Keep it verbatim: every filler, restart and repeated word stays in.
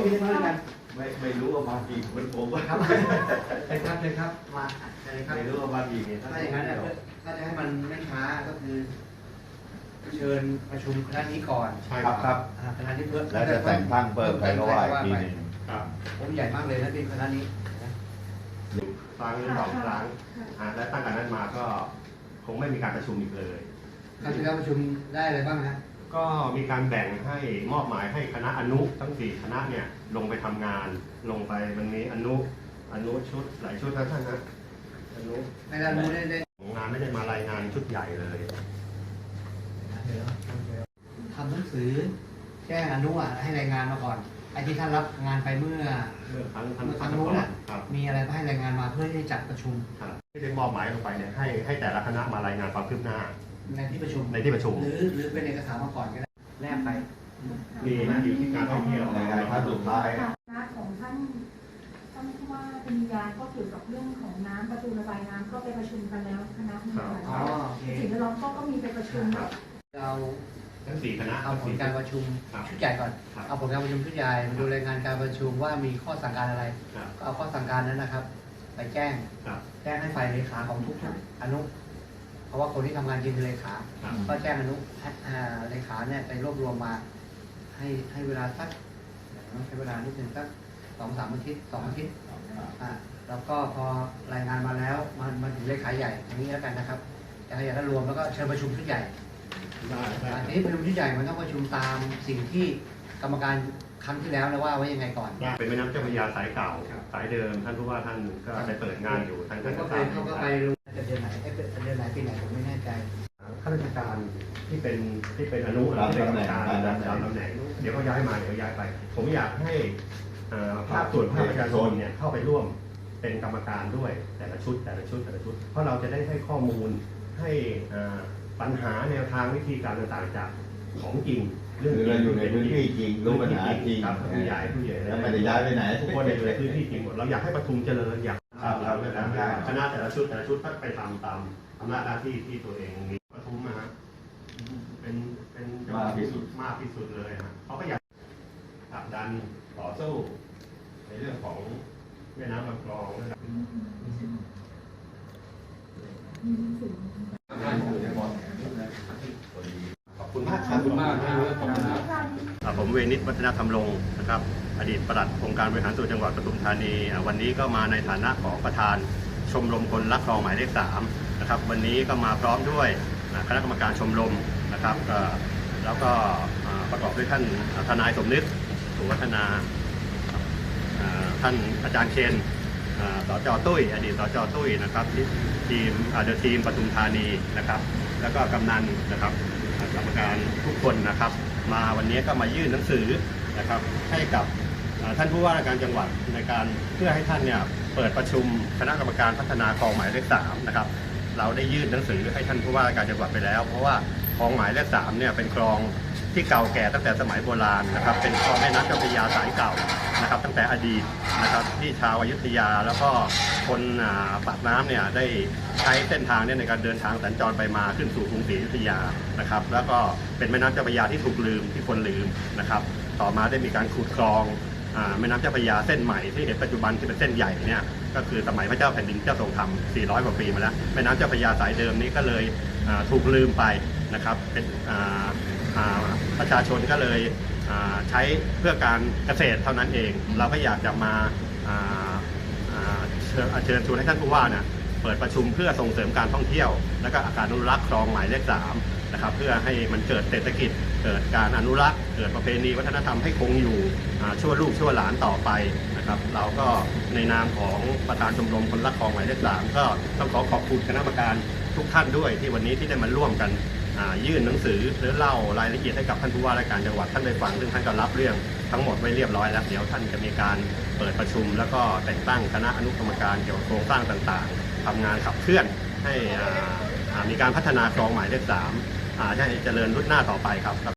มีมาด้วยกันไม่ไม่รู้ว่ามากี่คนผมว่าครับเชิญครับเชิญครับมาเชิญครับไม่รู้ว่ามากี่เนี่ยถ้าอย่างนั้นเนี่ยถ้าจะให้มันไม่ช้าก็คือ เชิญประชุมคณะนี้ก่อนใช่ครับครับอ่าคณะนี้เพิ่มแล้วจะแต่งตั้งเพิ่มใครก็ว่าอีกทีหนึงครับผมใหญ่มากเลยนะที่คณะนี้นะครั้งหรือสองครั้งอ่าและตั้งแต่นั้นมาก็คงไม่มีการประชุมอีกเลยครั้งที่แล้วประชุมได้อะไรบ้างฮะก็มีการแบ่งให้มอบหมายให้คณะอนุทั้งสี่คณะเนี่ยลงไปทำงาน ลงไปมันมีอนุอนุชุดหลายชุดนะท่านนะอนุในด้านนู้นได้ได้งานไม่ได้มารายงานชุดใหญ่เลยทำหนังสือแจ้งอนุอ่ะให้รายงานมาก่อนไอ้ที่ท่านรับงานไปเมื่อเมื่อครั้งครั้งเมื่อครั้งก่นู้อน นอ่ะครับมีอะไรให้รายงานมาเพื่อที่จะจัดประชุมครับที่ได้มอบหมายลงไปเนี่ยให้ให้แต่ละคณะมารายงานความคืบหน้าในที่ประชุมในที่ประชุมหรือหรือเป็นเอกสารมาก่อนก็ได้แนบไปมีนะอยู่ที่การท่องเที่ยวในการขั้นสุดท้ายคณะของท่านท่านผู้ว่าปริญญาก็เกี่ยวกับเรื่องของน้ำประตูระบายน้ำก็ไปประชุมกันแล้วคณะนี้อ๋อโอเคสิ่งแวดล้อมก็ก็มีไปประชุมครับเราทั้งสี่คณะเอาผลการประชุมครับชุดใหญ่ก่อนครับเอาผลการประชุมชุดใหญ่มาดูรายงานการประชุมว่ามีข้อสั่งการอะไรครับก็เอาข้อสั่งการนั้นนะครับ ไปแจ้งครับแจ้งให้ฝ่ายเลขาของทุกๆอนุ เพราะว่าคนที่ทำงานจริงคือเลขาครับก็แจ้งอนุอ่าเลขาเนี่ยไปรวบรวมมา ให้ให้เวลาสักใช้เวลานิดนึงสักสองสามอาทิตย์สองอาทิตย์อ่าแล้วก็พอรายงานมาแล้วมันมาถึงเลขาใหญ่อย่างนี้แล้วกันนะครับเลขาใหญ่ก็รวมแล้วก็เชิญประชุมชุดใหญ่ได้ได้อันนี้ประชุมชุดใหญ่มันต้องประชุมตามสิ่งที่กรรมการครั้งที่แล้วนะว่าไว้ยังไงก่อนได้เป็นแม่น้ำเจ้าพระยาสายเก่า สายเดิมท่านผู้ว่าท่านก็ได้เปิดงานอยู่ท่านผมก็ก็จะไปตามเขาก็ไปรู้จะเดือนไหนเอ๊ะเดือนไหนปีไหนผมไม่แน่ใจข้าราชการที่เป็นที่เป็นอนุที่เป็นกรรมการตามตำแหน่งเดี๋ยวก็ย้ายมาเดี๋ยวย้ายไป ผมอยากให้เอ่อภาคส่วนภาคประชาชนเนี่ยเข้าไปร่วมเป็นกรรมการด้วยแต่ละชุดแต่ละชุดแต่ละชุด เพราะเราจะได้ให้ข้อมูลให้เอ่อปัญหาแนวทางวิธีการต่างๆจากของจริงคือเราอยู่ในพื้นที่จริงรู้ปัญหาจริงครับผู้ใหญ่ผู้ใหญ่แล้วไม่ได้ย้ายไปไหนทุกคนในพื้นที่จริงหมดเราอยากให้ประทุมเจริญอยากครับเราจะครับทำคณะแต่ละชุดแต่ละชุดก็ไปทำตามอำนาจหน้าที่ที่ตัวเองมีประทุมนะฮะเป็นเป็นจังหวัดที่สุดมากที่สุดเลยฮะเขาก็อยากผลักดันต่อสู้ในเรื่องของแม่น้ำลำคลองนะครับขอบคุณมากครับขอบคุณมากครับผมเวนิชวัฒนธรรมรงค์นะครับอดีตปลัดองค์การบริหารส่วนจังหวัดปทุมธานีอ่าวันนี้ก็มาในฐานะของประธานชมรมคนรักคลองหมายเลขสามนะครับวันนี้ก็มาพร้อมด้วยอ่าคณะกรรมการชมรมนะครับเอ่อแล้วก็อ่าประกอบด้วยท่านทนายสมนึกสุวัฒนาอ่าท่านอาจารย์เชนอ่าสจตุ้ยอดีตสจตุ้ยนะครับที่ทีมเดอะทีมปทุมธานีนะครับแล้วก็กำนันนะครับอ่ากรรมการทุกคนนะครับมาวันนี้ก็มายื่นหนังสือนะครับให้กับอ่าท่านผู้ว่าราชการจังหวัดในการเพื่อให้ท่านเนี่ยเปิดประชุมคณะกรรมการพัฒนาคลองหมายเลขสามนะครับเราได้ยื่นหนังสือให้ท่านผู้ว่าราชการจังหวัดไปแล้ว เพราะว่าคลองหมายเลขสามเนี่ยเป็นคลองที่เก่าแก่ตั้งแต่สมัยโบราณนะครับเป็นคลองแม่น้ำเจ้าพระยาสายเก่านะครับตั้งแต่อดีตนะครับที่ชาวอยุธยาแล้วก็คนอ่าปากน้ำเนี่ยได้ใช้เส้นทางเนี่ยในการเดินทางสัญจรไปมาขึ้นสู่กรุงศรีอยุธยานะครับแล้วก็เป็นแม่น้ำเจ้าพระยาที่ถูกลืมที่คนลืมนะครับต่อมาได้มีการขุดคลองอ่าแม่น้ำเจ้าพระยาเส้นใหม่ที่เห็นปัจจุบันที่เป็นเส้นใหญ่เนี่ยก็คือสมัยพระเจ้าแผ่นดินเจ้าทรงธรรมสี่ร้อยกว่าปีมาแล้วแม่น้ำเจ้าพระยาสายเดิมนี้ก็เลยอ่าถูกลืมไปนะครับเป็นอ่าอ่าประชาชนก็เลยอ่าใช้เพื่อการเกษตรเท่านั้นเอง เราก็อยากจะมาอ่าอ่าเชิญเชิญชวนให้ท่านผู้ว่าเนี่ยเปิดประชุมเพื่อส่งเสริมการท่องเที่ยว และก็การอนุรักษ์คลองหมายเลขสามนะครับเพื่อให้มันเกิดเศรษฐกิจ เกิดการอนุรักษ์เกิดประเพณีวัฒนธรรมให้คงอยู่อ่าชั่วลูกชั่วหลานต่อไปนะครับเราก็ในนามของประธานชมรมคนรักคลองหมายเลขสามก็ต้องขอขอบคุณคณะกรรมการทุกท่านด้วยที่วันนี้ที่ได้มาร่วมกันอ่ายื่นหนังสือหรือเล่ารายละเอียดให้กับท่านผู้ว่าราชการจังหวัดท่านได้ฟังซึ่งท่านก็รับเรื่องทั้งหมดไว้เรียบร้อยแล้วเดี๋ยวท่านจะมีการเปิดประชุม แล้วก็แต่งตั้งคณะอนุกรรมการเกี่ยวกับโครงสร้างต่างๆทำงานขับเคลื่อนให้อ่าอ่ามีการพัฒนาคลองหมายเลขสามอ่าให้เจริญรุ่งหน้าต่อไปครับ